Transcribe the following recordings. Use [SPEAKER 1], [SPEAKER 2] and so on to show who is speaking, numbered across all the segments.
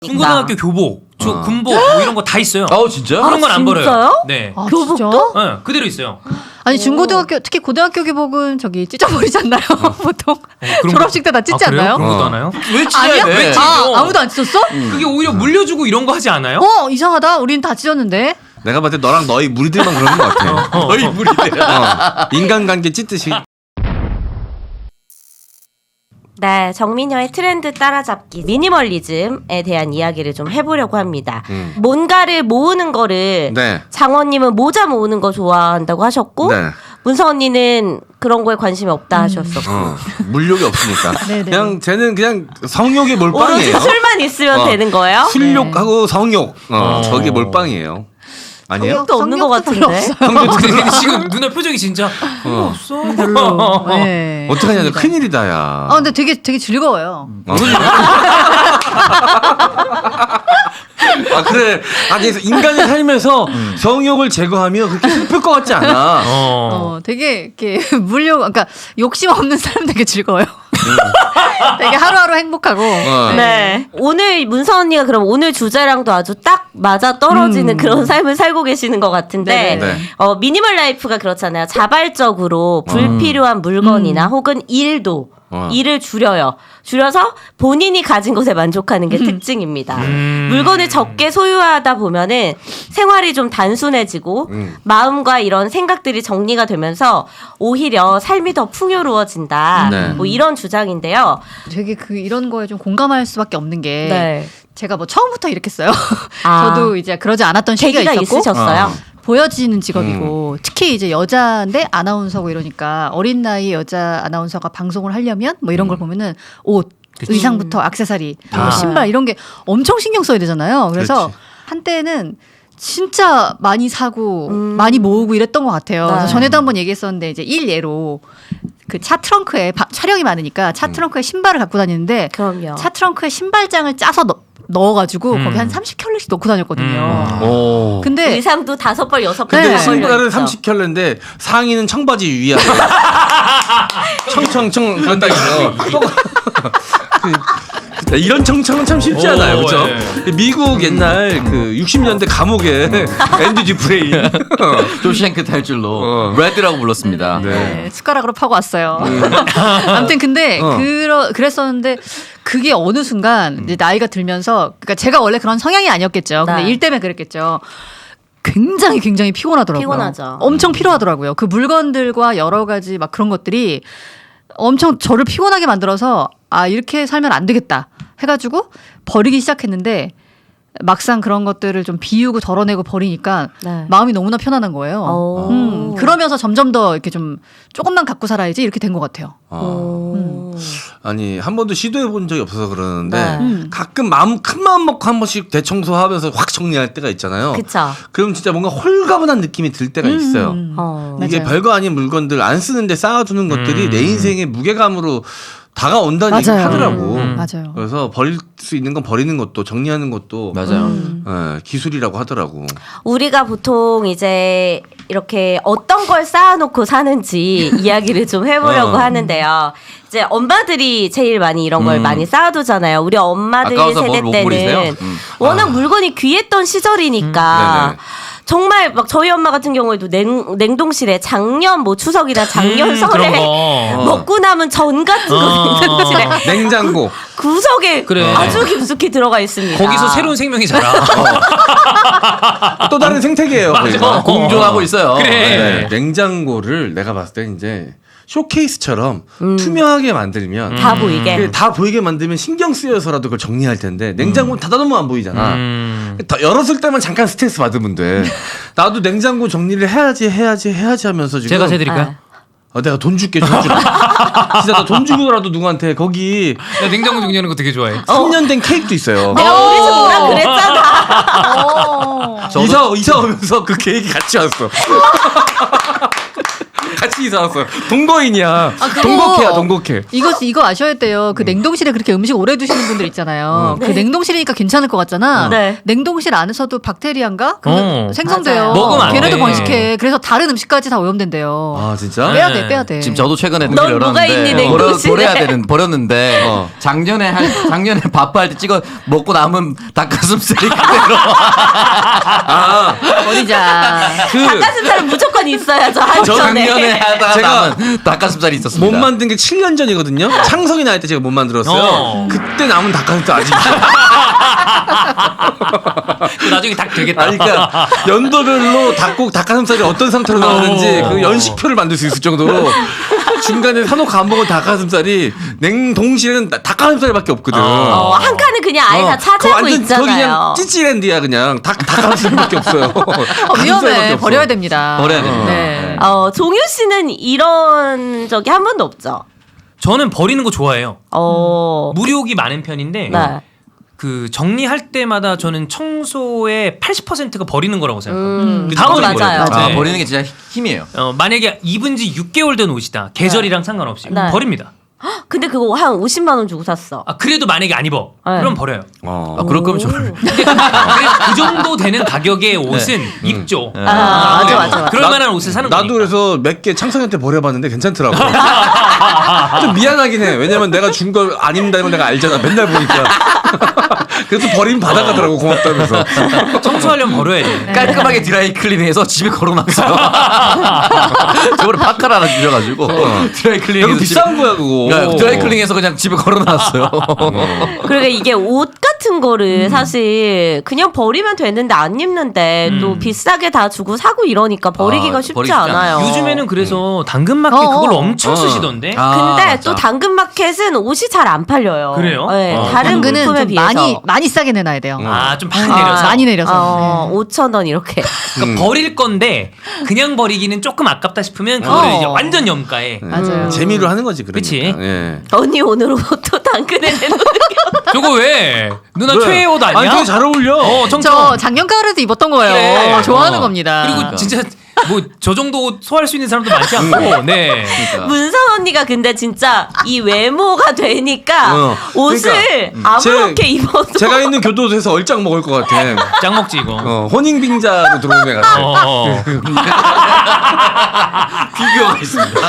[SPEAKER 1] 중고등학교 교복, 군복 뭐 이런 거 다 있어요.
[SPEAKER 2] 진짜요?
[SPEAKER 1] 그런 건 안 버려요.
[SPEAKER 3] 진짜요?
[SPEAKER 1] 네.
[SPEAKER 3] 교복도?
[SPEAKER 1] 네, 그대로 있어요.
[SPEAKER 4] 아니 중고등학교 특히 고등학교 교복은 저기 찢어버리지 않나요? 보통 졸업식 때 다 찢지
[SPEAKER 1] 그래요?
[SPEAKER 4] 않나요?
[SPEAKER 1] 그런 것도 하나요?
[SPEAKER 2] 왜 찢어야
[SPEAKER 4] 아니야?
[SPEAKER 2] 돼?
[SPEAKER 1] 왜 찢어?
[SPEAKER 4] 아무도 안 찢었어?
[SPEAKER 1] 그게 오히려 물려주고 이런 거 하지 않아요?
[SPEAKER 4] 이상하다. 우린 다 찢었는데.
[SPEAKER 2] 내가 봤을 때 너랑 너희 무리들만 그러는 것 같아.
[SPEAKER 1] 너희 무리들.
[SPEAKER 2] 인간관계 찢듯이.
[SPEAKER 3] 네, 정민여의 트렌드 따라잡기 미니멀리즘에 대한 이야기를 좀 해보려고 합니다. 뭔가를 모으는 거를
[SPEAKER 2] 네.
[SPEAKER 3] 장원님은 모자 모으는 거 좋아한다고 하셨고
[SPEAKER 2] 네.
[SPEAKER 3] 문서 언니는 그런 거에 관심이 없다 하셨었고
[SPEAKER 2] 물욕이 없으니까.
[SPEAKER 4] 네네.
[SPEAKER 2] 그냥 쟤는 그냥 성욕이
[SPEAKER 3] 오로지
[SPEAKER 2] 몰빵이에요.
[SPEAKER 3] 술만 있으면 되는 거예요?
[SPEAKER 2] 술욕하고 성욕. 저게 몰빵이에요. 아니에요?
[SPEAKER 3] 성욕도 없는 것
[SPEAKER 4] 성욕도
[SPEAKER 3] 같은데.
[SPEAKER 4] 별로
[SPEAKER 1] 근데 지금 누나 표정이 진짜 없어.
[SPEAKER 4] 별로. 네.
[SPEAKER 2] 어떡하냐, 너 큰일이다, 야.
[SPEAKER 4] 근데 되게 즐거워요.
[SPEAKER 2] 그래. 그래서 인간이 살면서 성욕을 제거하면 그렇게 슬플 것 같지 않아.
[SPEAKER 4] 되게 이렇게 그러니까 욕심 없는 사람 되게 즐거워요. 되게 하루하루 행복하고.
[SPEAKER 3] 네. 오늘 문서 언니가 그럼 오늘 주제랑도 아주 딱 맞아 떨어지는 그런 삶을 살고 계시는 것 같은데
[SPEAKER 4] 네네.
[SPEAKER 3] 미니멀 라이프가 그렇잖아요. 자발적으로 불필요한 물건이나 혹은 일을 줄여요. 줄여서 본인이 가진 것에 만족하는 게 특징입니다. 물건을 적게 소유하다 보면은 생활이 좀 단순해지고 마음과 이런 생각들이 정리가 되면서 오히려 삶이 더 풍요로워진다.
[SPEAKER 2] 네.
[SPEAKER 3] 뭐 이런 주장인데요.
[SPEAKER 4] 되게 이런 거에 좀 공감할 수밖에 없는 게
[SPEAKER 3] 네.
[SPEAKER 4] 제가 뭐 처음부터 이랬겠어요.
[SPEAKER 3] 아.
[SPEAKER 4] 저도 이제 그러지 않았던 시기가
[SPEAKER 3] 계기가
[SPEAKER 4] 있었고
[SPEAKER 3] 있으셨어요?
[SPEAKER 4] 보여지는 직업이고 특히 이제 여자인데 아나운서고 이러니까 어린 나이 여자 아나운서가 방송을 하려면 뭐 이런 걸 보면은 옷, 의상부터 액세서리, 뭐 신발 이런 게 엄청 신경 써야 되잖아요. 그래서
[SPEAKER 2] 그렇지.
[SPEAKER 4] 한때는 진짜 많이 사고 많이 모으고 이랬던 것 같아요.
[SPEAKER 3] 네.
[SPEAKER 4] 그래서 전에도 한번 얘기했었는데 이제 일예로 그 차 트렁크에 촬영이 많으니까 차 트렁크에 신발을 갖고 다니는데
[SPEAKER 3] 그럼요.
[SPEAKER 4] 차 트렁크에 신발장을 짜서 넣어가지고 거기 한 30켤레씩 넣고 다녔거든요.
[SPEAKER 2] 오.
[SPEAKER 4] 근데
[SPEAKER 3] 의상도 5벌, 6벌.
[SPEAKER 2] 근데
[SPEAKER 4] 네.
[SPEAKER 2] 신발은 30켤레인데 상의는 청바지 위아래. 청청청 그런다 이거. 이런 청청은 참 쉽지 않아요, 그렇죠? 미국 옛날 그 60년대 감옥에 앤디 듀프레인
[SPEAKER 5] 조시앵크 탈줄로 레드라고 불렀습니다.
[SPEAKER 4] 네, 숟가락으로 파고 왔어요. 아무튼 근데 그랬었는데 그게 어느 순간 이제 나이가 들면서 그러니까 제가 원래 그런 성향이 아니었겠죠. 근데
[SPEAKER 3] 네.
[SPEAKER 4] 일 때문에 그랬겠죠. 굉장히 피곤하더라고요.
[SPEAKER 3] 피곤하죠.
[SPEAKER 4] 엄청 피로하더라고요. 그 물건들과 여러 가지 막 그런 것들이 엄청 저를 피곤하게 만들어서 이렇게 살면 안 되겠다 해가지고 버리기 시작했는데 막상 그런 것들을 좀 비우고 덜어내고 버리니까
[SPEAKER 3] 네.
[SPEAKER 4] 마음이 너무나 편안한 거예요. 그러면서 점점 더 이렇게 좀 조금만 갖고 살아야지 이렇게 된 것 같아요.
[SPEAKER 2] 아니 한 번도 시도해 본 적이 없어서 그러는데
[SPEAKER 3] 네.
[SPEAKER 2] 가끔 큰 마음 먹고 한 번씩 대청소하면서 확 정리할 때가 있잖아요.
[SPEAKER 3] 그쵸.
[SPEAKER 2] 그럼 진짜 뭔가 홀가분한 느낌이 들 때가 있어요. 이게
[SPEAKER 4] 맞아요.
[SPEAKER 2] 별거 아닌 물건들 안 쓰는데 쌓아두는 것들이 내 인생의 무게감으로 다가온다는 얘기
[SPEAKER 4] 맞아요.
[SPEAKER 2] 하더라고.
[SPEAKER 4] 맞아요.
[SPEAKER 2] 그래서 버릴 수 있는 건 버리는 것도 정리하는 것도
[SPEAKER 5] 맞아요.
[SPEAKER 2] 기술이라고 하더라고.
[SPEAKER 3] 우리가 보통 이제 이렇게 어떤 걸 쌓아놓고 사는지 이야기를 좀 해보려고 하는데요. 이제 엄마들이 제일 많이 이런 걸 많이 쌓아두잖아요. 우리 엄마들
[SPEAKER 5] 아까워서
[SPEAKER 3] 세대
[SPEAKER 5] 뭘 못 버리세요?
[SPEAKER 3] 때는 워낙 물건이 귀했던 시절이니까
[SPEAKER 2] 네네.
[SPEAKER 3] 정말 막 저희 엄마 같은 경우에도 냉동실에 작년 뭐 추석이나 작년 설에
[SPEAKER 1] 그런 거.
[SPEAKER 3] 먹고 남은 전 같은 거 냉동실에
[SPEAKER 2] 냉장고.
[SPEAKER 3] 구석에
[SPEAKER 1] 그래.
[SPEAKER 3] 아주 깊숙이 들어가 있습니다.
[SPEAKER 1] 거기서 새로운 생명이 자라.
[SPEAKER 2] 또 다른 생태계예요. 거기가.
[SPEAKER 5] 공존하고 있어요.
[SPEAKER 1] 그래.
[SPEAKER 2] 네. 냉장고를 내가 봤을 때 이제 쇼케이스처럼 투명하게 만들면
[SPEAKER 3] 다 보이게.
[SPEAKER 2] 다 보이게 만들면 신경 쓰여서라도 그걸 정리할 텐데 냉장고는 닫아놓으면 안 보이잖아. 열었을 때만 잠깐 스트레스 받으면 돼. 나도 냉장고 정리를 해야지 하면서 지금
[SPEAKER 1] 제가 해드릴까요?
[SPEAKER 2] 내가 돈 줄게 돈 주라. 진짜 나 돈 주고라도 누구한테 거기
[SPEAKER 1] 나 냉장고 정리하는 거 되게 좋아해.
[SPEAKER 2] 3년 된 케이크도 있어요.
[SPEAKER 3] 내가 우리 집 오라 그랬잖아.
[SPEAKER 2] 이사 오면서 그 케이크 같이 왔어. 같이 이사 왔어요. 동거인이야.
[SPEAKER 4] 그거-
[SPEAKER 2] 동거캐야 동거캐.
[SPEAKER 4] 이거 아셔야 돼요. 그 냉동실에 그렇게 음식 오래 두시는 분들 있잖아요. 그 냉동실이니까 괜찮을 것 같잖아.
[SPEAKER 3] 네.
[SPEAKER 4] 냉동실 안에서도 박테리아인가 그게 생성돼요.
[SPEAKER 3] 맞아요.
[SPEAKER 1] 먹으면 안
[SPEAKER 4] 걔네도
[SPEAKER 1] 돼.
[SPEAKER 4] 번식해. 그래서 다른 음식까지 다 오염된대요.
[SPEAKER 2] 아 진짜?
[SPEAKER 4] 빼야 돼, 빼야 돼.
[SPEAKER 5] 지금 저도 최근에
[SPEAKER 3] 넌
[SPEAKER 5] 냉장고를
[SPEAKER 3] 뭐가 있니,
[SPEAKER 5] 열었는데
[SPEAKER 3] 냉동실에?
[SPEAKER 5] 버렸는데 작년에 밥할 때 찍어 먹고 남은 닭가슴살이 그대로
[SPEAKER 4] 버리자.
[SPEAKER 3] 닭가슴살은 무조건 있어야죠.
[SPEAKER 5] 저
[SPEAKER 3] 한전에.
[SPEAKER 5] 작년에 하다가
[SPEAKER 2] 제가
[SPEAKER 5] 남은 닭가슴살이 있었습니다.
[SPEAKER 2] 못 만든 게 7년 전이거든요. 창석이 나이 때 제가 못 만들었어요. 그때 남은 닭가슴살 아직.
[SPEAKER 1] 나중에 닭 되겠다.
[SPEAKER 2] 아니, 그러니까 연도별로 닭가슴살이 어떤 상태로 나오는지 그 연식표를 만들 수 있을 정도로 중간에 사놓고 안 먹은 닭가슴살이 냉동실에는 닭가슴살밖에 없거든.
[SPEAKER 3] 한 칸은 그냥 아예 다
[SPEAKER 2] 그거
[SPEAKER 3] 차지하고
[SPEAKER 2] 완전 거기
[SPEAKER 3] 있잖아요.
[SPEAKER 2] 그냥 찌찌랜드야 그냥 닭가슴살밖에 없어요. 닭가슴살밖에
[SPEAKER 4] 위험해.
[SPEAKER 2] 없어.
[SPEAKER 4] 버려야 됩니다.
[SPEAKER 5] 버려야 됩니다.
[SPEAKER 4] 네.
[SPEAKER 3] 종유 씨는 이런 적이 한 번도 없죠.
[SPEAKER 1] 저는 버리는 거 좋아해요. 무료욕이 많은 편인데
[SPEAKER 3] 네.
[SPEAKER 1] 그 정리할 때마다 저는 청소의 80%가 버리는 거라고 생각해요. 그
[SPEAKER 3] 그건
[SPEAKER 1] 다음은
[SPEAKER 3] 맞아요.
[SPEAKER 1] 버려요. 네.
[SPEAKER 5] 버리는 게 진짜 힘이에요.
[SPEAKER 1] 만약에 입은 지 6개월 된 옷이다. 계절이랑 상관없이
[SPEAKER 3] 네.
[SPEAKER 1] 버립니다.
[SPEAKER 3] 근데 그거 한 50만 원 주고 샀어.
[SPEAKER 1] 그래도 만약에 안 입어.
[SPEAKER 3] 네.
[SPEAKER 1] 그럼 버려요.
[SPEAKER 5] 그럴 거면 저를
[SPEAKER 1] 그래서 그 정도 되는 가격의 옷은 입죠.
[SPEAKER 3] 맞아.
[SPEAKER 1] 그럴 만한 옷을 사는
[SPEAKER 2] 나도
[SPEAKER 1] 거니까.
[SPEAKER 2] 그래서 몇 개 창석이한테 버려봤는데 괜찮더라고. 좀 미안하긴 해. 왜냐면 내가 준 걸 안 입는다는 걸 내가 알잖아. 맨날 보니까. 그래서 버리면 받아가더라고 고맙다면서.
[SPEAKER 1] 청소하려면 버려야지.
[SPEAKER 5] 깔끔하게 드라이 클리닝해서 집에 걸어놨어요. 저번에 파카를 하나 주셔가지고 드라이
[SPEAKER 2] 이거
[SPEAKER 5] 클리닝해서
[SPEAKER 2] 비싼 거야 그거.
[SPEAKER 5] 드라이 클리닝해서 그냥 집에 걸어놨어요.
[SPEAKER 3] 그러니까 이게 옷 같은 거를 사실 그냥 버리면 되는데 안 입는데 또 비싸게 다 주고 사고 이러니까 버리기가 쉽지
[SPEAKER 5] 버리기 쉽지
[SPEAKER 3] 않아요.
[SPEAKER 1] 요즘에는 그래서 당근마켓 그걸 엄청 쓰시던데.
[SPEAKER 3] 근데
[SPEAKER 5] 맞아.
[SPEAKER 3] 또 당근마켓은 옷이 잘 안 팔려요.
[SPEAKER 1] 그래요?
[SPEAKER 3] 네, 다른
[SPEAKER 4] 당근은
[SPEAKER 3] 물품에
[SPEAKER 4] 좀
[SPEAKER 3] 비해서
[SPEAKER 4] 많이 싸게 내놔야 돼요.
[SPEAKER 1] 좀 많이 내려서.
[SPEAKER 4] 많이 내려서.
[SPEAKER 3] 5,000원 이렇게.
[SPEAKER 1] 그러니까 버릴 건데 그냥 버리기는 조금 아깝다 싶으면 그거를 이제 완전 염가에.
[SPEAKER 4] 맞아요.
[SPEAKER 2] 재미로 하는 거지 그러니까.
[SPEAKER 1] 그치?
[SPEAKER 2] 예.
[SPEAKER 3] 언니 오늘 옷도 당근에 내놓는
[SPEAKER 1] 저거 왜? 누나
[SPEAKER 2] 왜?
[SPEAKER 1] 최애 옷 아니야?
[SPEAKER 2] 아니 되게 잘 어울려.
[SPEAKER 1] 청청.
[SPEAKER 4] 저 작년 가을에도 입었던 거예요.
[SPEAKER 1] 그래.
[SPEAKER 4] 좋아하는 겁니다.
[SPEAKER 1] 그리고 진짜 뭐 저 정도 옷 소화할 수 있는 사람도 많지 않고. 네.
[SPEAKER 3] 문선 언니가 근데 진짜 이 외모가 되니까 옷을 아무렇게 입어도
[SPEAKER 2] 제가 있는 교도소에서 얼짱 먹을 것 같아.
[SPEAKER 1] 짱 먹지 이거.
[SPEAKER 2] 혼인빙자로 들어온 애 같아.
[SPEAKER 5] 비교가 있습니다.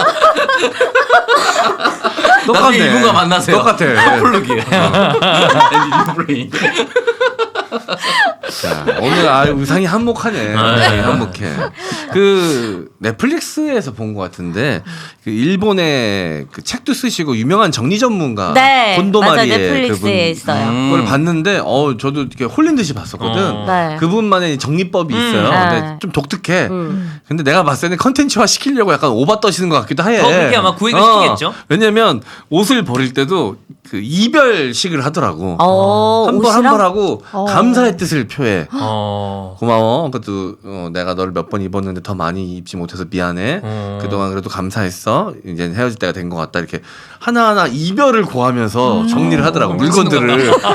[SPEAKER 2] 똑같네.
[SPEAKER 5] 나중에 이분과 만나세요.
[SPEAKER 2] 똑같아.
[SPEAKER 5] 커플룩이에요. 앤디
[SPEAKER 2] 자, 오늘 의상이 한몫하네. 의상이 한몫해. 그 넷플릭스에서 본 것 같은데 그 일본의 그 책도 쓰시고 유명한 정리 전문가
[SPEAKER 3] 네, 맞아
[SPEAKER 2] 곤도마리에
[SPEAKER 3] 넷플릭스에 있어요.
[SPEAKER 2] 그걸 봤는데 저도 이렇게 홀린 듯이 봤었거든.
[SPEAKER 3] 네.
[SPEAKER 2] 그분만의 정리법이 있어요.
[SPEAKER 3] 네.
[SPEAKER 2] 근데 좀 독특해. 근데 내가 봤을 때는 컨텐츠화 시키려고 약간 오바 떠시는 것 같기도 해.
[SPEAKER 1] 그렇게 아마 구획을 시키겠죠.
[SPEAKER 2] 왜냐면 옷을 버릴 때도 그 이별식을 하더라고. 한 번 한 번 하고 감사의 뜻을 표해. 고마워. 그래도 내가 너를 몇 번 입었는데 더 많이 입지 못해서 미안해. 그동안 그래도 감사했어. 이제 헤어질 때가 된 것 같다. 이렇게 하나하나 이별을 고하면서 정리를 하더라고. 물건들을.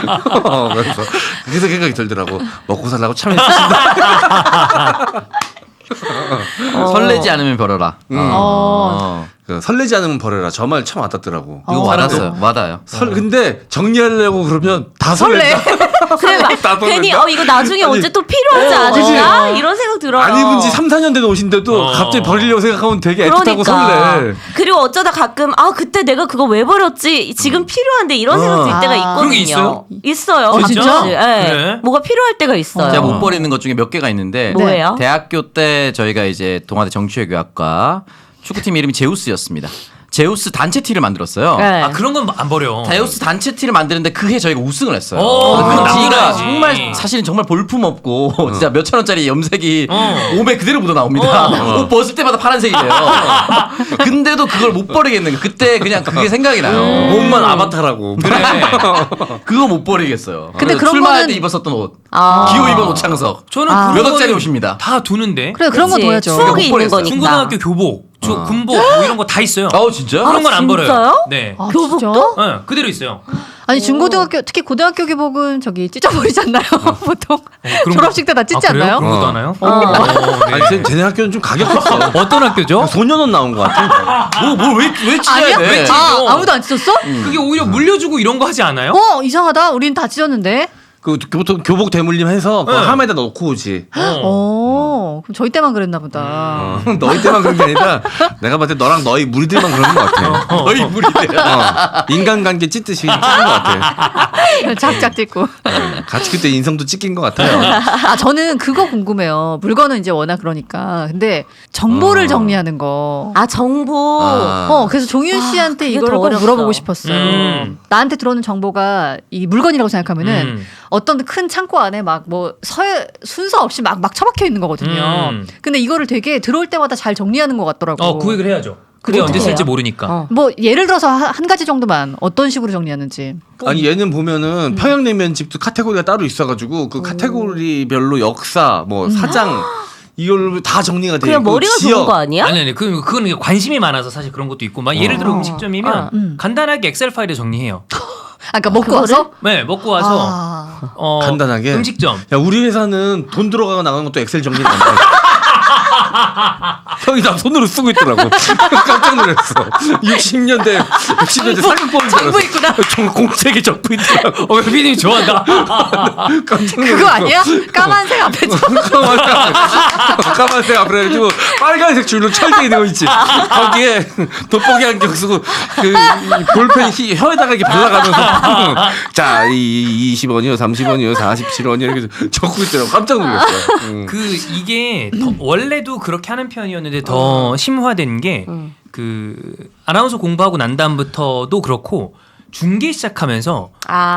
[SPEAKER 2] 그래서 생각이 들더라고. 먹고 살라고 참 애쓰신다.
[SPEAKER 5] 설레지 않으면 버려라.
[SPEAKER 2] 그 설레지 않으면 버려라. 저 말 참 와닿더라고.
[SPEAKER 5] 이거 와닿았어요. 와닿아요.
[SPEAKER 2] 근데 정리하려고 그러면 다 설렌다.
[SPEAKER 3] 그래 막
[SPEAKER 2] 다
[SPEAKER 3] 괜히
[SPEAKER 2] 설렌다?
[SPEAKER 3] 이거 나중에
[SPEAKER 2] 아니,
[SPEAKER 3] 언제 또 필요하지 않을까 이런 생각 들어요.
[SPEAKER 2] 안 입은 지 3, 4년 된 옷인데도 갑자기 버리려고 생각하면 되게 애틋하고 설레.
[SPEAKER 3] 그리고 어쩌다 가끔 그때 내가 그거 왜 버렸지 지금 필요한데 이런 생각 들 때가 있거든요.
[SPEAKER 1] 그런 게 있어요?
[SPEAKER 3] 있어요.
[SPEAKER 1] 진짜?
[SPEAKER 3] 가끔씩. 네.
[SPEAKER 1] 그래?
[SPEAKER 3] 뭐가 필요할 때가 있어요.
[SPEAKER 5] 제가 못 버리는 것 중에 몇 개가 있는데
[SPEAKER 3] 뭐예요?
[SPEAKER 5] 대학교 때 저희가 이제 동아대 정치외교학과 축구팀 이름이 제우스였습니다. 제우스 단체 티를 만들었어요.
[SPEAKER 3] 네.
[SPEAKER 1] 그런 건 안 버려.
[SPEAKER 5] 제우스 단체 티를 만드는데 그해 저희가 우승을 했어요.
[SPEAKER 1] 그건
[SPEAKER 5] 그 티가
[SPEAKER 1] 남겨야지.
[SPEAKER 5] 정말 사실은 정말 볼품 없고 진짜 몇천 원짜리 염색이 몸에 그대로 묻어 나옵니다. 옷 벗을 때마다 파란색이 돼요. 근데도 그걸 못 버리겠는 거예요. 그때 그냥 그게 생각이 나요.
[SPEAKER 2] 몸만 아바타라고.
[SPEAKER 1] 그래.
[SPEAKER 5] 그거 못 버리겠어요.
[SPEAKER 4] 근데
[SPEAKER 5] 그래서
[SPEAKER 4] 그런
[SPEAKER 5] 출마할
[SPEAKER 4] 거는-
[SPEAKER 5] 때 입었었던 옷.
[SPEAKER 3] 아.
[SPEAKER 5] 기호 입은 오창석.
[SPEAKER 1] 저는
[SPEAKER 5] 몇
[SPEAKER 1] 그런
[SPEAKER 5] 억짜리
[SPEAKER 1] 거는
[SPEAKER 5] 옷입니다.
[SPEAKER 1] 다 두는데.
[SPEAKER 4] 그래 그런 거
[SPEAKER 3] 그치.
[SPEAKER 4] 둬야죠.
[SPEAKER 3] 추억이
[SPEAKER 5] 못
[SPEAKER 3] 있는
[SPEAKER 5] 버렸어요.
[SPEAKER 3] 거니까.
[SPEAKER 1] 중고등학교 교복, 군복 뭐 이런 거 다 있어요.
[SPEAKER 5] 진짜?
[SPEAKER 1] 그런 건 안 버려요.
[SPEAKER 3] 진짜요?
[SPEAKER 1] 네.
[SPEAKER 4] 아,
[SPEAKER 3] 교복도?
[SPEAKER 1] 네, 그대로 있어요.
[SPEAKER 4] 아니 중고등학교 특히 고등학교 교복은 저기 찢어버리지 않나요? 보통
[SPEAKER 1] 그런
[SPEAKER 4] 졸업식 때 다 찢지
[SPEAKER 1] 그래요?
[SPEAKER 4] 않나요?
[SPEAKER 1] 그런 것도 하나요? 네.
[SPEAKER 2] 아니 쟤네 학교는 좀 가격했어.
[SPEAKER 1] 어떤 학교죠?
[SPEAKER 2] 소년원 나온 것 같아.
[SPEAKER 5] 뭐왜 찢어야
[SPEAKER 4] 아니야?
[SPEAKER 5] 돼?
[SPEAKER 4] 아무도 안 찢었어?
[SPEAKER 1] 그게 오히려 물려주고 이런 거 하지 않아요?
[SPEAKER 4] 이상하다. 우린 다 찢었는데.
[SPEAKER 2] 그 보통 교복 대물림 해서 그
[SPEAKER 1] 네.
[SPEAKER 2] 함에다 넣고 오지.
[SPEAKER 4] 그럼 저희 때만 그랬나 보다.
[SPEAKER 2] 너희 때만 그런 게 아니라 내가 봤을 때 너랑 너희 무리들만 그런 것 같아.
[SPEAKER 5] 너희 무리들.
[SPEAKER 2] 인간관계 찢듯이 찢은 것 같아.
[SPEAKER 4] 작작 찢고.
[SPEAKER 2] 같이 그때 인성도 찢긴 것 같아요.
[SPEAKER 4] 저는 그거 궁금해요. 물건은 이제 워낙 그러니까. 근데 정보를 정리하는 거.
[SPEAKER 3] 정보.
[SPEAKER 4] 그래서 종윤 씨한테
[SPEAKER 3] 그게
[SPEAKER 4] 이걸
[SPEAKER 3] 더
[SPEAKER 4] 꼭
[SPEAKER 3] 어렵다.
[SPEAKER 4] 물어보고 싶었어요. 나한테 들어오는 정보가 이 물건이라고 생각하면은 어떤 큰 창고 안에 막 뭐 순서 없이 막 처박혀 있는 거거든요. 근데 이거를 되게 들어올 때마다 잘 정리하는 것 같더라고.
[SPEAKER 1] 구획을 해야죠. 그게
[SPEAKER 4] 그거
[SPEAKER 1] 언제
[SPEAKER 4] 어떻게
[SPEAKER 1] 쓸지
[SPEAKER 4] 해요?
[SPEAKER 1] 모르니까.
[SPEAKER 4] 뭐 예를 들어서 한 가지 정도만 어떤 식으로 정리하는지.
[SPEAKER 2] 아니 얘는 보면은 평양냉면 집도 카테고리가 따로 있어가지고 그 카테고리별로 역사 뭐 사장 이걸 다 정리가 돼
[SPEAKER 3] 그냥
[SPEAKER 2] 있고
[SPEAKER 3] 머리가
[SPEAKER 2] 지역.
[SPEAKER 3] 좋은 거 아니야?
[SPEAKER 1] 아니 그건 관심이 많아서 사실 그런 것도 있고 막 예를 들어 음식점이면 간단하게 엑셀 파일에 정리해요.
[SPEAKER 4] 그러니까 먹고 와서?
[SPEAKER 1] 네, 먹고 와서
[SPEAKER 2] 간단하게?
[SPEAKER 1] 음식점.
[SPEAKER 2] 야 우리 회사는 돈 들어가고 나가는 것도 엑셀 정리가 안 돼. 형이 나 손으로 쓰고 있더라고. 깜짝 놀랐어. 60년대 상급법인 줄
[SPEAKER 4] 정부 있구나.
[SPEAKER 2] 알았어. 공책에 적고 있더라고.
[SPEAKER 1] 피디님 좋아한다.
[SPEAKER 2] 깜짝 놀랐어.
[SPEAKER 4] 그거 아니야? 까만색 앞에
[SPEAKER 2] 까만색 앞에 해가지고 빨간색 줄로 철제 되어 있지. 거기에 돋보기 안경 쓰고 그 볼펜 혀에다가 이렇게 발라가면서 자, 20원이요, 30원이요, 47원이요 이렇게 적고 있더라고. 깜짝 놀랐어요.
[SPEAKER 1] 이게 원래도 그렇게 하는 편이었는데 더 심화된 게 아나운서 공부하고 난 다음부터도 그렇고 중계 시작하면서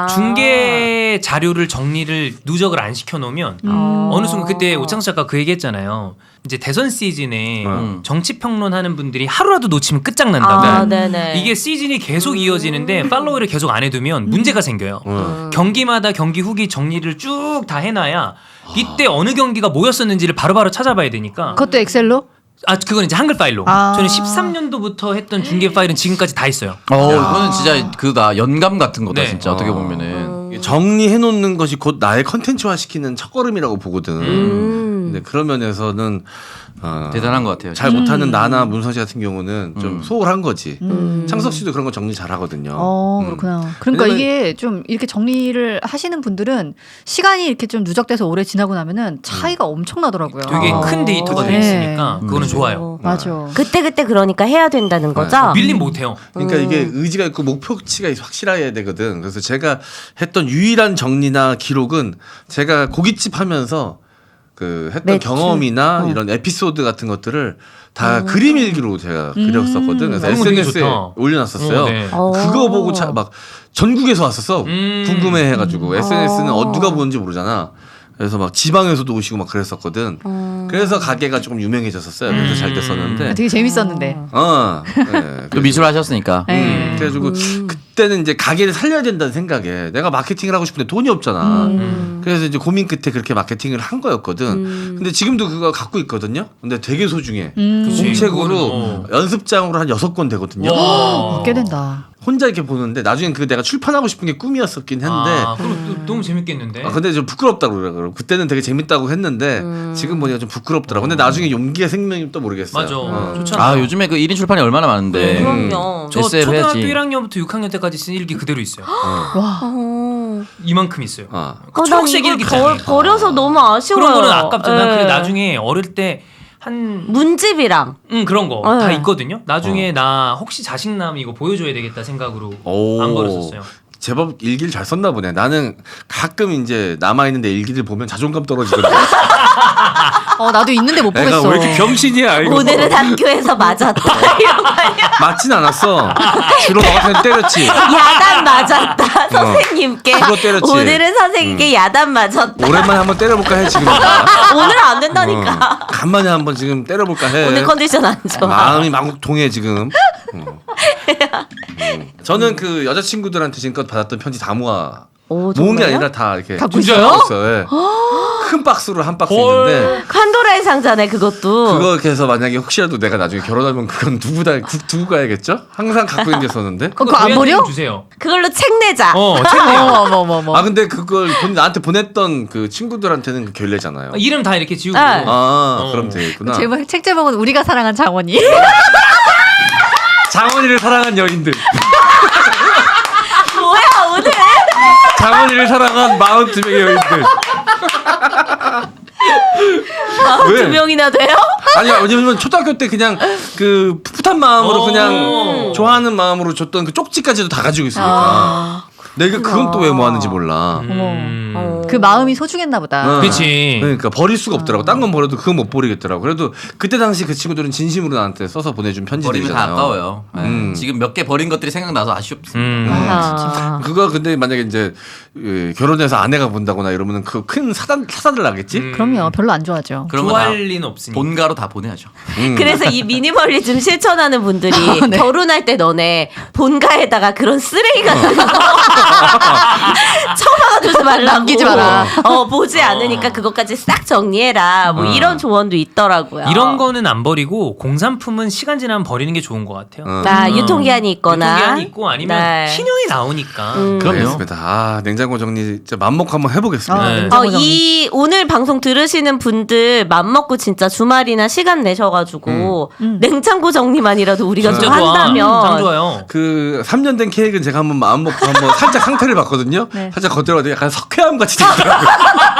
[SPEAKER 1] 중계 자료를 정리를 누적을 안 시켜놓으면 어느 순간 그때 오창수 작가 그 얘기했잖아요. 이제 대선 시즌에 정치 평론하는 분들이 하루라도 놓치면 끝장난다고.
[SPEAKER 3] 네네.
[SPEAKER 1] 이게 시즌이 계속 이어지는데 팔로우를 계속 안 해두면 문제가 생겨요. 경기마다 경기 후기 정리를 쭉 다 해놔야 이때 어느 경기가 뭐였었는지를 바로바로 찾아봐야 되니까.
[SPEAKER 4] 그것도 엑셀로?
[SPEAKER 1] 그건 이제 한글 파일로. 저는 13년도부터 했던 중계 파일은 지금까지 다 있어요.
[SPEAKER 5] 이거는 진짜 그다 연감 같은 거다
[SPEAKER 1] 네.
[SPEAKER 5] 진짜 어떻게 보면은.
[SPEAKER 2] 정리해 놓는 것이 곧 나의 컨텐츠화 시키는 첫걸음이라고 보거든. 근데 그런 면에서는
[SPEAKER 5] 대단한 것 같아요.
[SPEAKER 2] 잘 못하는 나나 문선 씨 같은 경우는 좀 소홀한 거지. 창석 씨도 그런 거 정리 잘 하거든요.
[SPEAKER 4] 그렇구나. 그러니까
[SPEAKER 2] 왜냐면-
[SPEAKER 4] 이게 좀 이렇게 정리를 하시는 분들은 시간이 이렇게 좀 누적돼서 오래 지나고 나면은 차이가 엄청나더라고요.
[SPEAKER 1] 되게 큰 데이터가 돼
[SPEAKER 4] 네.
[SPEAKER 1] 있으니까 그거는 좋아요.
[SPEAKER 4] 맞아.
[SPEAKER 3] 그때 그러니까 해야 된다는 거죠?
[SPEAKER 1] 밀림 못해요.
[SPEAKER 2] 그러니까 이게 의지가 있고 목표치가 확실해야 되거든. 그래서 제가 했던 유일한 정리나 기록은 제가 고깃집 하면서 그 했던
[SPEAKER 3] 매출.
[SPEAKER 2] 경험이나 이런 에피소드 같은 것들을 다 그림 일기로 제가 그렸었거든. 그래서
[SPEAKER 1] 그런 거 되게
[SPEAKER 2] SNS에
[SPEAKER 1] 좋다.
[SPEAKER 2] 올려놨었어요.
[SPEAKER 1] 네.
[SPEAKER 2] 그거 보고 막 전국에서 왔었어. 궁금해해가지고 SNS는 누가 보는지 모르잖아. 그래서 막 지방에서도 오시고 막 그랬었거든. 그래서 가게가 조금 유명해졌었어요. 그래서 잘 됐었는데.
[SPEAKER 4] 되게 재밌었는데.
[SPEAKER 2] 네.
[SPEAKER 5] 또 미술 하셨으니까.
[SPEAKER 4] 네.
[SPEAKER 2] 그래가지고 그때는 이제 가게를 살려야 된다는 생각에 내가 마케팅을 하고 싶은데 돈이 없잖아. 그래서 이제 고민 끝에 그렇게 마케팅을 한 거였거든. 근데 지금도 그거 갖고 있거든요. 근데 되게 소중해. 공책으로 연습장으로 한 6권 되거든요.
[SPEAKER 4] 꽤 된다.
[SPEAKER 2] 혼자 이렇게 보는데 나중엔 그 내가 출판하고 싶은 게 꿈이었었긴 했는데
[SPEAKER 1] 그럼 너무 재밌겠는데.
[SPEAKER 2] 근데 좀 부끄럽다고 그러더라고. 그때는 되게 재밌다고 했는데 지금 보니까 좀 부끄럽더라고. 근데 나중에 용기가 생기면 또 모르겠어요.
[SPEAKER 1] 맞아. 좋잖아.
[SPEAKER 5] 요즘에 그 1인 출판이 얼마나 많은데.
[SPEAKER 3] 그럼요.
[SPEAKER 1] 저
[SPEAKER 5] SF
[SPEAKER 1] 초등학교
[SPEAKER 5] 해야지.
[SPEAKER 1] 1학년부터 6학년 때까지 쓴 일기 그대로 있어요.
[SPEAKER 4] 와.
[SPEAKER 1] 이만큼 있어요.
[SPEAKER 3] 난
[SPEAKER 1] 초록색
[SPEAKER 3] 이걸
[SPEAKER 1] 일기잖아요.
[SPEAKER 3] 버려서 너무 아쉬워요.
[SPEAKER 1] 그런 거는 아깝잖아.
[SPEAKER 3] 네.
[SPEAKER 1] 근데 나중에 어릴 때 한
[SPEAKER 3] 문집이랑
[SPEAKER 1] 그런 거 다
[SPEAKER 3] 네.
[SPEAKER 1] 있거든요. 나중에 나 혹시 자식남 이거 보여줘야 되겠다 생각으로
[SPEAKER 2] 오.
[SPEAKER 1] 안 버렸었어요.
[SPEAKER 2] 제법 일기를 잘 썼나 보네. 나는 가끔 이제 남아있는데 일기를 보면 자존감 떨어지거든.
[SPEAKER 4] 나도 있는데 못
[SPEAKER 2] 내가
[SPEAKER 4] 보겠어.
[SPEAKER 2] 왜 이렇게 병신이야 이거.
[SPEAKER 3] 오늘은 학교에서 맞았다. 이런 거 아니야?
[SPEAKER 2] 맞진 않았어. 주로 너 같은 애 때렸지.
[SPEAKER 3] 야단 맞았다. 선생님께.
[SPEAKER 2] 주로 때렸지.
[SPEAKER 3] 오늘은 선생님께 야단 맞았다.
[SPEAKER 2] 오랜만에 한번 때려볼까 해 지금.
[SPEAKER 3] 오늘은 안 된다니까.
[SPEAKER 2] 간만에 한번 지금 때려볼까 해.
[SPEAKER 3] 오늘 컨디션 안 좋아.
[SPEAKER 2] 마음이 망국통해 지금. 저는 그 여자친구들한테 지금껏 받았던 편지 다 모아
[SPEAKER 3] 오,
[SPEAKER 2] 모은 게
[SPEAKER 3] 정말요?
[SPEAKER 2] 아니라 다 이렇게
[SPEAKER 4] 갖고
[SPEAKER 1] 있어요?
[SPEAKER 2] 있어요. 예. 큰 박스로 한 박스 있는데
[SPEAKER 3] 판도라의 상자네 그것도.
[SPEAKER 2] 그거 이렇게 해서 만약에 혹시라도 내가 나중에 결혼하면 그건 두고 가야겠죠? 항상 갖고 있는 게 있었는데.
[SPEAKER 4] 그거 안 버려?
[SPEAKER 1] 주세요.
[SPEAKER 3] 그걸로 책 내자.
[SPEAKER 1] 책 내요.
[SPEAKER 4] 어머머머.
[SPEAKER 2] 아 근데 그걸 나한테 보냈던 그 친구들한테는 그 결례잖아요.
[SPEAKER 1] 이름 다 이렇게 지우고.
[SPEAKER 3] 네.
[SPEAKER 2] 그럼 되겠구나.
[SPEAKER 4] 제목 책 제목은 우리가 사랑한 장원이.
[SPEAKER 2] 장원이를 사랑한 여인들.
[SPEAKER 3] 뭐야 오늘?
[SPEAKER 2] 장원이를 사랑한 42명의 여인들. 왜?
[SPEAKER 3] 2명이나 돼요?
[SPEAKER 2] 아니야, 왜냐면 초등학교 때 그냥 그 풋풋한 마음으로 그냥 좋아하는 마음으로 줬던 그 쪽지까지도 다 가지고 있으니까. 내가 그건 또 왜 모았는지 몰라.
[SPEAKER 4] 그 마음이 소중했나 보다.
[SPEAKER 1] 그렇지.
[SPEAKER 2] 그러니까 버릴 수가 없더라고. 딴 건 버려도 그건 못 버리겠더라고. 그래도 그때 당시 그 친구들은 진심으로 나한테 써서 보내준
[SPEAKER 5] 버리면 다
[SPEAKER 2] 편지들이잖아요.
[SPEAKER 5] 아까워요. 네. 지금 몇 개 버린 것들이 생각나서 아쉽습니다.
[SPEAKER 2] 그거 근데 만약에 이제 결혼해서 아내가 본다거나 이러면은 그 큰 사단을 나겠지.
[SPEAKER 4] 그럼요. 별로 안 좋아하죠.
[SPEAKER 5] 그러면
[SPEAKER 1] 좋아할
[SPEAKER 5] 다
[SPEAKER 1] 리는 없으니까.
[SPEAKER 5] 본가로 다 보내야죠.
[SPEAKER 3] 그래서 이 미니멀리즘 실천하는 분들이
[SPEAKER 4] 네.
[SPEAKER 3] 결혼할 때 너네 본가에다가 그런 쓰레기 같은 거 처박아두지 말라고.
[SPEAKER 4] 남기지 마라.
[SPEAKER 3] 보지 않으니까 그것까지 싹 정리해라. 뭐 이런 조언도 있더라고요.
[SPEAKER 1] 이런 거는 안 버리고 공산품은 시간 지나면 버리는 게 좋은 것 같아요.
[SPEAKER 3] 유통기한이 있거나.
[SPEAKER 1] 유통기한이 있고 아니면
[SPEAKER 3] 네.
[SPEAKER 1] 신형이 나오니까.
[SPEAKER 5] 그럼요.
[SPEAKER 2] 알겠습니다. 아, 냉장고 정리 진짜 맘먹고 한번 해보겠습니다.
[SPEAKER 1] 네.
[SPEAKER 3] 이 오늘 방송 들으시는 분들 맘먹고 진짜 주말이나 시간 내셔가지고 냉장고 정리만이라도 우리가 좀
[SPEAKER 1] 진짜 좋아. 참
[SPEAKER 3] 한다면
[SPEAKER 1] 좋아요.
[SPEAKER 2] 그 3년 된 케이크는 제가 한번 마음 먹고 한번 살짝 상태를 봤거든요.
[SPEAKER 4] 네.
[SPEAKER 2] 살짝 겉들어가도 약간 석회암 같이 되더라고요.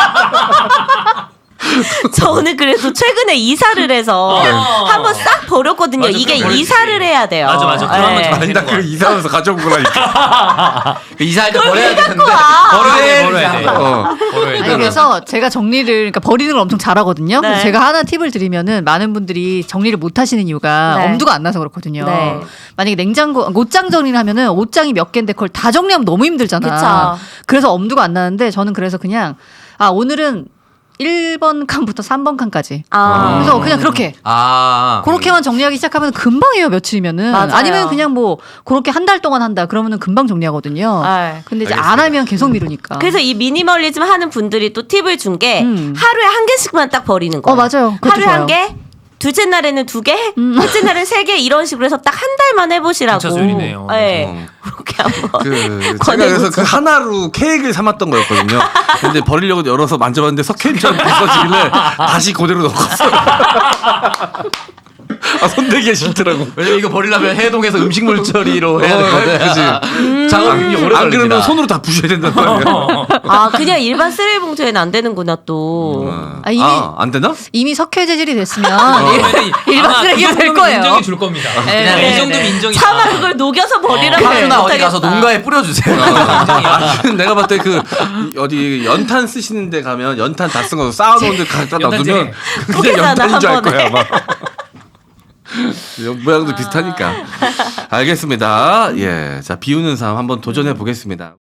[SPEAKER 3] 저는 그래서 최근에 이사를 해서 한번 싹 버렸거든요.
[SPEAKER 1] 맞아,
[SPEAKER 3] 이게
[SPEAKER 1] 그럼 버렸지.
[SPEAKER 3] 이사를 해야 돼요.
[SPEAKER 1] 맞아. 그럼 한번 좀
[SPEAKER 2] 아니 나 그거 이사하면서 가져온 거라니까.
[SPEAKER 5] 이사할 때 버려야 되는데
[SPEAKER 1] 버려야 돼.
[SPEAKER 2] 어.
[SPEAKER 4] 아니, 그래서 제가 정리를 그러니까 버리는 걸 엄청 잘하거든요.
[SPEAKER 3] 네.
[SPEAKER 4] 그래서 제가 하나 팁을 드리면은 많은 분들이 정리를 못 하시는 이유가
[SPEAKER 3] 네.
[SPEAKER 4] 엄두가 안 나서 그렇거든요.
[SPEAKER 3] 네.
[SPEAKER 4] 만약에 냉장고 옷장 정리를 하면은 옷장이 몇 개인데 그걸 다 정리하면 너무 힘들잖아.
[SPEAKER 3] 그쵸.
[SPEAKER 4] 그래서 엄두가 안 나는데 저는 그래서 그냥 오늘은 1번 칸부터 3번 칸까지. 그래서 그냥 그렇게 그렇게만 정리하기 시작하면 금방이에요. 며칠이면은.
[SPEAKER 3] 맞아요.
[SPEAKER 4] 아니면 그냥 뭐 그렇게 한 달 동안 한다 그러면은 금방 정리하거든요.
[SPEAKER 3] 네.
[SPEAKER 4] 근데 이제 안 하면 계속 미루니까.
[SPEAKER 3] 그래서 이 미니멀리즘 하는 분들이 또 팁을 준 게 하루에 한 개씩만 딱 버리는 거예요.
[SPEAKER 4] 맞아요. 그것도
[SPEAKER 3] 하루에 한
[SPEAKER 4] 좋아요.
[SPEAKER 3] 개, 둘째 날에는 2개, 셋째 날에는 3개 이런 식으로 해서 딱 한 달만 해보시라고.
[SPEAKER 1] 진짜 소리네요.
[SPEAKER 3] 네. 그렇게 한번.
[SPEAKER 2] 제가
[SPEAKER 3] 권해보죠.
[SPEAKER 2] 그래서 그 하나로 케이크를 삼았던 거였거든요. 근데 버리려고 열어서 만져봤는데 석회처럼 부서지길래 다시 그대로 넣었어요. 손대기가 싫더라고.
[SPEAKER 5] 왜냐면 이거 버리려면 해동해서 음식물 처리로 해야 되거든.
[SPEAKER 2] 그치.
[SPEAKER 5] 작업이 오래
[SPEAKER 2] 안 그러면
[SPEAKER 5] 걸립니다.
[SPEAKER 2] 손으로 다 부셔야 된단 말이야.
[SPEAKER 3] 그냥 일반 쓰레기 봉투에는 안 되는구나 또.
[SPEAKER 4] 이미
[SPEAKER 2] 안 되나?
[SPEAKER 4] 이미 석회 재질이 됐으면
[SPEAKER 1] 일반
[SPEAKER 4] 쓰레기가 될 거예요.
[SPEAKER 1] 인정해 줄 겁니다. 그냥
[SPEAKER 3] 네,
[SPEAKER 1] 이 정도면
[SPEAKER 3] 네.
[SPEAKER 1] 인정이.
[SPEAKER 3] 차마 그걸 녹여서 버리라고 하면
[SPEAKER 5] 하수나 어디
[SPEAKER 3] 못하겠다.
[SPEAKER 5] 가서 농가에 뿌려주세요.
[SPEAKER 2] 내가 봤을 때 그 어디 연탄 쓰시는 데 가면 연탄 다 쓴 거 쌓아놓은 데 갖다 놔두면 그냥
[SPEAKER 3] 포개잖아,
[SPEAKER 2] 연탄인 줄 알
[SPEAKER 3] 한 번에.
[SPEAKER 2] 거야 아마. 모양도 비슷하니까. 알겠습니다. 자 비우는 삶 한번 도전해 보겠습니다.